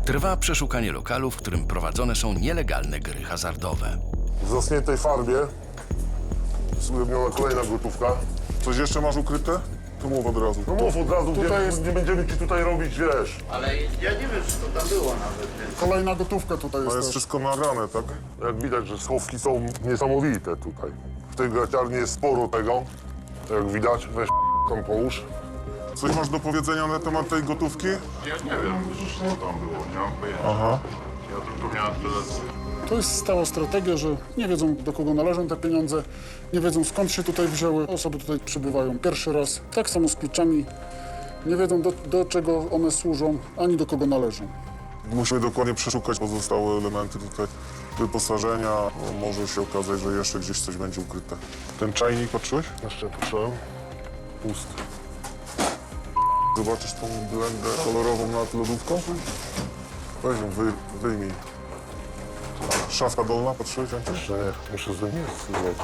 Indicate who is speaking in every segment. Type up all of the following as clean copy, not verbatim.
Speaker 1: Trwa przeszukanie lokalu, w którym prowadzone są nielegalne gry hazardowe.
Speaker 2: W zaschniętej farbie jest ujemniona kolejna gotówka.
Speaker 3: Coś jeszcze masz ukryte? To mów od razu.
Speaker 2: No mów od razu,
Speaker 4: Tutaj
Speaker 2: nie,
Speaker 4: jest-
Speaker 2: nie będziemy ci tutaj robić, wiesz.
Speaker 5: Ale ja nie wiem, czy to tam było nawet, więc...
Speaker 4: Kolejna gotówka tutaj
Speaker 3: To
Speaker 4: jest
Speaker 3: jest
Speaker 4: też.
Speaker 3: wszystko nagrane, tak?
Speaker 2: Jak widać, że schowki są niesamowite tutaj. W tej graciarni jest sporo tego. Jak widać, weź tam połóż.
Speaker 3: Coś masz do powiedzenia na temat tej gotówki?
Speaker 6: Ja nie wiem, co tam było, nie mam pojęcia.
Speaker 3: Aha.
Speaker 6: Ja tylko miałem tyle...
Speaker 4: To jest stała strategia, że nie wiedzą, do kogo należą te pieniądze, nie wiedzą, skąd się tutaj wzięły. Osoby tutaj przybywają pierwszy raz. Tak samo z kluczami. Nie wiedzą, do czego one służą, ani do kogo należą.
Speaker 3: Musimy dokładnie przeszukać pozostałe elementy tutaj wyposażenia. No, może się okazać, że jeszcze gdzieś coś będzie ukryte. Ten czajnik patrzyłeś?
Speaker 2: Jeszcze proszę. Pusty.
Speaker 3: Zobaczysz tą blendę kolorową nad lodówką? Weź ją, wyjmij. Szafka dolna, patrzyłeś? Andrzej?
Speaker 2: Jeszcze nie, muszę z nim zrobić.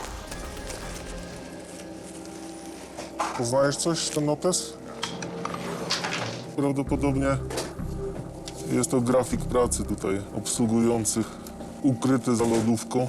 Speaker 3: Poznajesz coś, ten notes? Prawdopodobnie jest to grafik pracy tutaj obsługujących, ukryty za lodówką.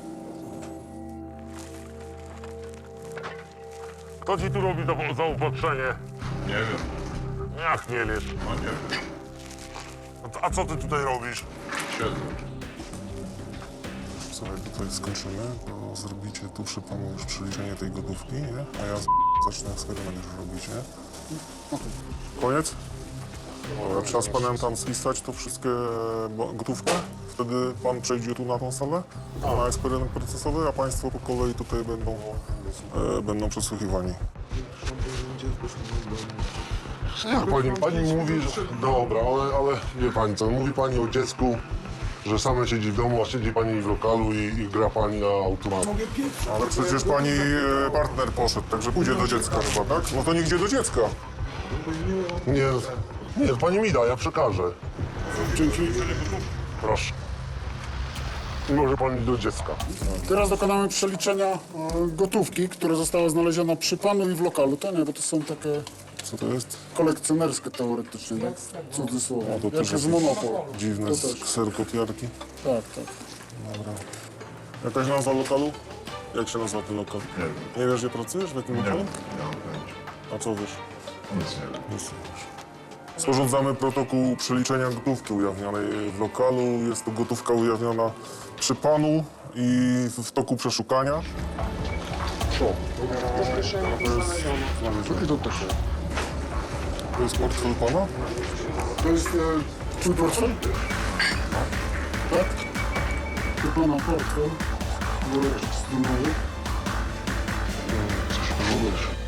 Speaker 2: Kto ci tu robi zaopatrzenie?
Speaker 6: Nie wiem,
Speaker 2: Jak nie wiesz?
Speaker 6: no nie wiem.
Speaker 2: A co ty tutaj robisz?
Speaker 6: Siedzę.
Speaker 3: Słuchaj, tutaj skończymy, bo zrobicie tu przy panu już przeliczenie tej gotówki, nie? A ja zacznę eksperyment już robić, nie? Koniec? Dobra, trzeba z panem tam spisać to wszystkie gotówkę. Wtedy pan przejdzie tu na tą salę, na eksperyment procesowy, a państwo po kolei tutaj będą przesłuchiwani.
Speaker 2: Pani mówi, że... Dobra, ale wie pani co, mówi pani o dziecku, że same siedzi w domu, a siedzi pani w lokalu i gra pani na automacie.
Speaker 3: Ale przecież pani partner poszedł, także pójdzie do dziecka chyba, tak? No to niech idzie do dziecka.
Speaker 2: Nie, pani mi da, ja przekażę.
Speaker 4: Dzięki.
Speaker 2: Proszę. I może pani do dziecka.
Speaker 4: Teraz dokonamy przeliczenia gotówki, która została znaleziona przy panu i w lokalu. To nie, bo to są takie
Speaker 3: Co to jest?
Speaker 4: kolekcjonerskie teoretycznie, tak? Cudzysłowie.
Speaker 3: to
Speaker 4: Jak
Speaker 3: też
Speaker 4: jest
Speaker 3: jakieś
Speaker 4: monopol.
Speaker 3: Dziwne
Speaker 4: To też.
Speaker 3: kserokopiarki.
Speaker 4: Tak, tak.
Speaker 3: Dobra. Jakaś nazwa lokalu? Jak się nazywa ten lokal?
Speaker 6: Nie wiem.
Speaker 3: Nie wiesz, gdzie pracujesz? W jakim
Speaker 6: Nie
Speaker 3: lokalu?
Speaker 6: mam pojęcia.
Speaker 3: A co wiesz?
Speaker 6: Nic nie wiem.
Speaker 3: Nic nie wiesz. Sporządzamy protokół przeliczenia gotówki ujawnionej w lokalu. Jest to gotówka ujawniona przy panu i w toku przeszukania.
Speaker 4: I to też.
Speaker 3: To jest portfel pana?
Speaker 4: To jest twój portfel? Tak? To pana portfel. Worek strunowy.
Speaker 3: Coś